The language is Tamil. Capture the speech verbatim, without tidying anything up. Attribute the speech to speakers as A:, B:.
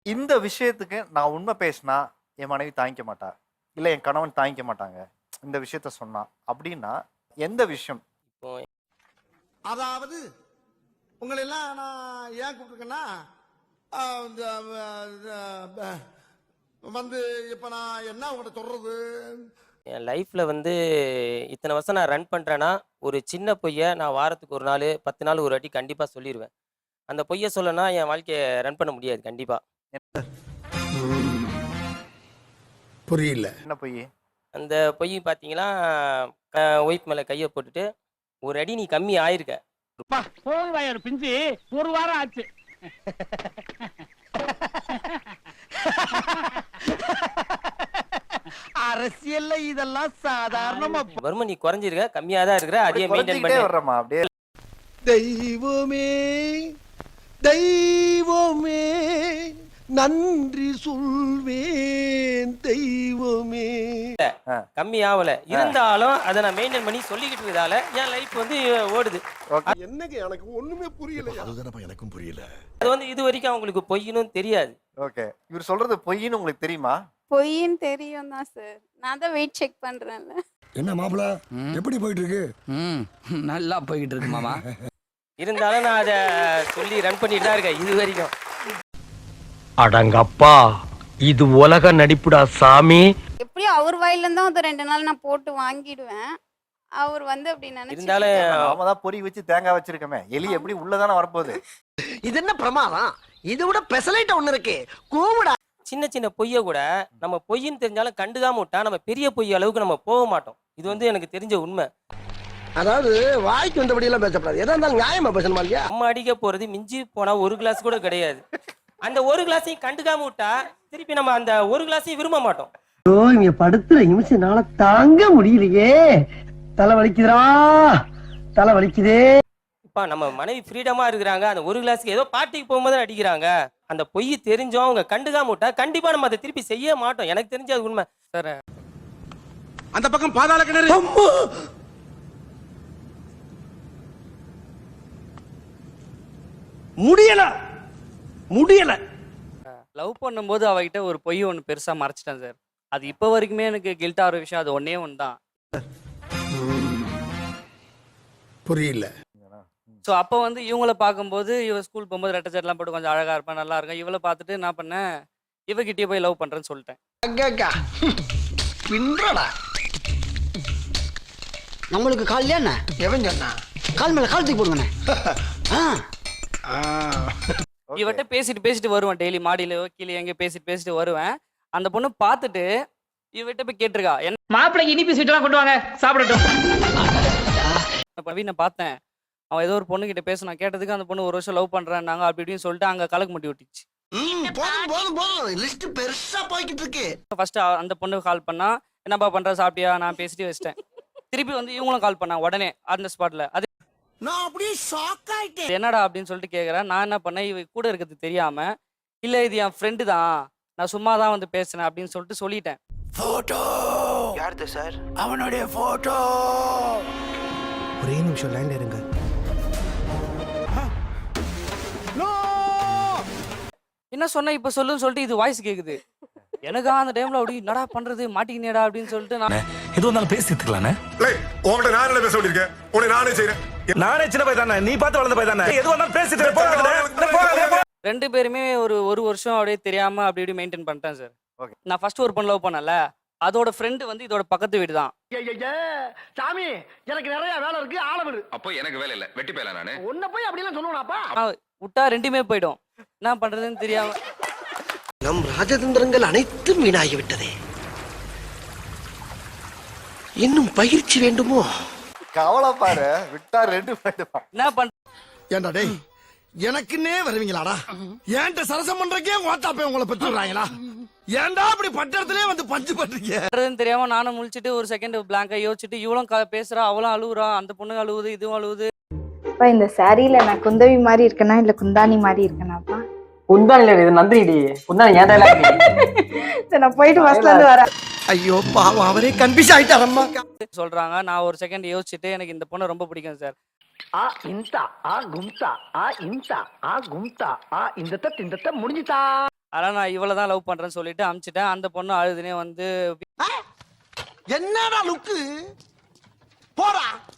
A: இந்த விஷயத்துக்கு நான் உண்மை பேசினா என் மனைவி தாங்கிக்க மாட்டா, இல்ல என் கணவன் தாங்கிக்க மாட்டாங்க இந்த விஷயத்த சொன்னா அப்படின்னா எந்த விஷயம்?
B: அதாவது உங்களை எல்லாம் நான் ஏன் கூப்பிட்டுருக்கேன்னா வந்து இப்ப நான் என்ன உங்கள்கிட்ட சொல்றது,
C: என் லைஃப்பில் வந்து இத்தனை வருஷம் நான் ரன் பண்ணுறேன்னா ஒரு சின்ன பொய்யை நான் வாரத்துக்கு ஒரு நாள் பத்து நாள் ஒரு வாட்டி கண்டிப்பாக சொல்லிடுவேன். அந்த பொய்யை சொல்லனா என் வாழ்க்கையை ரன் பண்ண முடியாது கண்டிப்பாக.
B: புரியல.
A: என்ன பொய்?
C: அந்த பொய் பார்த்தீங்கன்னா ஒய்ஃப் மேலே கையை போட்டுட்டு ஒரு அடி நீ கம்மி ஆயிருக்க.
D: போய் பிஞ்சு ஒரு வாரம் ஆச்சு. அரசியல்ல இதெல்லாம் சாதாரணமா.
C: வருமா நீ குறைஞ்சிருக்க, கம்மியா தான் இருக்கிற, அதே மெயின்டைன் பண்ணி
A: வர்றமா அப்படியே.
B: தெய்வமே தெய்வமே நன்றி சொல்வேன் தெய்வமே.
C: கம்மி ஆகல இருந்தாலும் அதை நான் மெயின்டைன் பண்ணி சொல்லிக்கிட்டு இருக்கதால என் லைஃப் வந்து ஓடுது.
B: என்னங்க எனக்கு ஒண்ணுமே புரியல. அதுதானப்பா எனக்கும் புரியல.
C: அது வந்து இது வரைக்கும் அவங்களுக்கு பொய்ன்னு தெரியாது.
A: ஓகே, இவர் சொல்றது பொய்ன்னு உங்களுக்கு தெரியுமா?
E: பொய்ன்னு தெரியும் தான் சார். நான் தான் வெயிட் செக் பண்றேன்ல.
B: என்ன மாப்பிள எப்படி போயிட்டு இருக்கு?
D: ம் நல்லா போயிட்டு இருக்கு மாமா.
C: இருந்தாலும் நான் அதை சொல்லி ரன் பண்ணிட்டு தான் இருக்கேன் இது வரைக்கும்.
F: அடங்கப்பா, இது உலக நடிப்புடா சாமி.
E: எப்படியும் அவர் வாயில இருந்தா ஒரு ரெண்டு நாள் நான் போட்டு வாங்கிடுவேன். அவர் வந்து அப்படி நினைச்சு
C: இருந்தாலும்
A: நாம தான் பொறி வச்சு தேங்காய் வச்சிருக்கோமே, எலி எப்படி உள்ளதானே வரப்போகுது.
G: இது என்ன பிரமாதம்? இது விட பெசலைட் ஒண்ணு இருக்கு, கூவுடா.
C: சின்ன சின்ன பொய்யை கூட நம்ம பொய்ன்னு தெரிஞ்சாலும் கண்டுக்காம விட்டா நம்ம பெரிய பொய் அளவுக்கு நம்ம போக மாட்டோம். இது வந்து எனக்கு தெரிஞ்ச உண்மை.
G: அதாவது வாய்க்கு வந்தபடி எல்லாம் பேசப்படாது, எதா இருந்தாலும் நியாயமா பேசணுமா இல்லையா?
C: அம்மா அடிக்க போறது மிஞ்சி போனா ஒரு கிளாஸ் கூட கிடையாது. அந்த ஒரு கிளாஸையும் கண்டுக்காம விட்டா திருப்பி நம்ம அந்த ஒரு கிளாஸையும் விரும்ப மாட்டோம்.
G: இங்க படுத்துற நிமிஷம்னால தாங்க முடியலையே, தலை வலிக்குதுடா, தலை வலிக்குதே.
C: இப்ப நம்ம மனைவி ஃப்ரீடமா இருக்கிறாங்க, அந்த ஒரு கிளாஸுக்கு ஏதோ பார்ட்டிக்கு போகும்போது அடிக்கிறாங்க. அந்த பொய் தெரிஞ்சோம் அவங்க கண்டுக்காம விட்டா கண்டிப்பா நம்ம அதை திருப்பி செய்ய மாட்டோம். எனக்கு தெரிஞ்ச அது உண்மை சார்.
B: அந்த பக்கம் பாதாள கிணறு. முடியல முடியல.
H: லவ் பண்ணும்போது அவகிட்ட ஒரு பொய் ஒன்று பெருசா மறைச்சிட்டேன் சார். அது இப்போ வரைக்குமே எனக்கு கில்ட் ஆகிற விஷயம் அது ஒன்னே ஒன்று தான்.
B: புரியல.
H: ஸோ அப்போ வந்து இவங்கள பார்க்கும்போது இவ ஸ்கூல் போகும்போது ரெட்டை சட்டெல்லாம் போட்டு கொஞ்சம் அழகா இருப்பேன், நல்லா இருக்கும். இவளை பார்த்துட்டு என்ன பண்ணேன், இவகிட்டயே போய் லவ் பண்றேன்னு சொல்லிட்டேன்.
G: நம்மளுக்கு கால் என்ன எவன் சொன்னா? கால் மேல கால் தூக்கி போடுங்கண்ணே.
H: இவட்ட பேசிட்டு பேசிட்டு வருவேன், டெய்லி மாடியில கீழே எங்க பேசிட்டு பேசிட்டு வருவேன். அந்த பொண்ணு பார்த்துட்டு இவட்ட போய் கேட்டிருக்கா, என்ன
D: மாப்பிள்ளைக்கு இனிப்பு ஸ்வீட் எல்லாம் கொண்டு வாங்க சாப்பிடட்டும்.
H: பவினை பார்த்தேன், அவன் ஏதோ ஒரு பொண்ணு கிட்ட பேசணும், கேட்டதுக்கு அந்த பொண்ணு ஒரு வருஷம் லவ் பண்றாங்க அப்படி இப்படின்னு சொல்லிட்டு அங்க கலக்கு முட்டி விட்டுச்சு. ஃபர்ஸ்ட் அந்த பொண்ணு கால் பண்ணா, என்னப்பா பண்ற, சாப்பிட்டியா, நான் பேசிட்டு வச்சிட்டேன். திருப்பி வந்து இவங்களும் கால் பண்ணா உடனே அந்த ஸ்பாட்ல. அது
G: நான் அப்படியே ஷாக் ஆயிட்டேன்.
H: என்னடா அப்படின்னு சொல்லிட்டு கேக்குறேன். நான் என்ன பண்ணேன், இவ கூட இருக்கிறது தெரியாம, இல்ல இது என் ஃப்ரெண்டு தான், நான் சும்மா தான் வந்து பேசுனேன் அப்படின்னு சொல்லிட்டு சொல்லிட்டேன்.
G: போட்டோ யாருது சார்? அவனுடைய போட்டோ. ஒரே நிமிஷம் லைன்ல இருங்க.
H: என்ன சொன்ன இப்ப சொல்லுன்னு சொல்லிட்டு இது வாய்ஸ் கேக்குது. எனக்கு அந்த டைம்ல அப்படி என்னடா பண்றது, மாட்டிக்கினேடா அப்படின்னு சொல்லிட்டு நான்
F: எது வந்தாலும் பேசிட்டுக்கலானே.
B: உங்கள்கிட்ட நான் என்ன பேச வேண்டியிருக்கேன், உன்னை நானே செய்யறேன்.
F: நானே சின்ன பையன் தானே, நீ பார்த்து வளர்ந்த பையன் தானே, எது வந்தாலும் பேசிட்டு
H: ரெண்டு பேருமே ஒரு ஒரு வருஷம் அப்படியே தெரியாம அப்படி இப்படி மெயின்டைன் பண்ணிட்டேன் சார். நான் ஃபர்ஸ்ட் ஒரு பொண்ணு லவ் பண்ணல, அதோட ஃப்ரெண்டு வந்து இதோட பக்கத்து வீடு தான்.
G: சாமி எனக்கு நிறைய வேலை இருக்கு, ஆளவிடு.
I: அப்போ எனக்கு வேலை இல்ல, வெட்டி போயலாம் நானு.
G: உன்னை போய் அப்படி எல்லாம் சொல்லுவாப்பா.
H: விட்டா ரெண்டுமே போயிடும், என்ன பண்றதுன்னு தெரியாம.
G: நம் ராஜதந்திரங்கள் அனைத்தும் வீணாகி விட்டதே, இன்னும் பயிற்சி வேண்டுமோ?
A: கவலை பாரு, விட்டா ரெண்டு போயிடுவா.
H: என்ன பண்ற?
B: ஏண்டா டேய், எனக்குன்னே வருவீங்களாடா? ஏன்ட்ட சரசம் பண்றக்கே ஓட்டாப்பே உங்களை பெற்றுறாங்களா? ஏன்டா அப்படி பட்டறதுலயே வந்து பஞ்சு பண்றீங்க
H: தெரியாம நானும் முழிச்சிட்டு ஒரு செகண்ட் பிளாங்கா யோசிச்சுட்டு இவளும் பேசுறா, அவளும் அழுவுறா, அந்த பொண்ணு அழுவுது, இதுவும் அழுவுது.
E: இந்த சாரியில நான் குந்தவி மாதிரி இருக்கனா இல்ல குந்தாணி மாதிரி இருக்கனாப்பா?
D: குந்தாணி இல்ல, இது நந்தினிடி. குந்தாணி ஏன் டைலாக்?
E: நான் போயிட்டு பஸ்ல இருந்து வரேன்.
G: ஐயோ பாவம், அவரே கன்ஃபியூஸ் ஆயிட்டாரம்மா
H: சொல்றாங்க. நான் ஒரு செகண்ட் யோசிச்சுட்டு எனக்கு இந்த பொண்ணை ரொம்ப பிடிக்கும் சார்.
G: ஆ இன்தா ஆ கும்தா ஆ இன்தா ஆ கும்தா ஆ இந்த தத் இந்த முடிஞ்சுதா.
H: அதனால் நான் இவளை தான் லவ் பண்ணுறேன்னு சொல்லிட்டு அமுச்சிட்டேன். அந்த பொண்ணு அழுதுனே வந்து
B: என்னடா லுக்கு போடா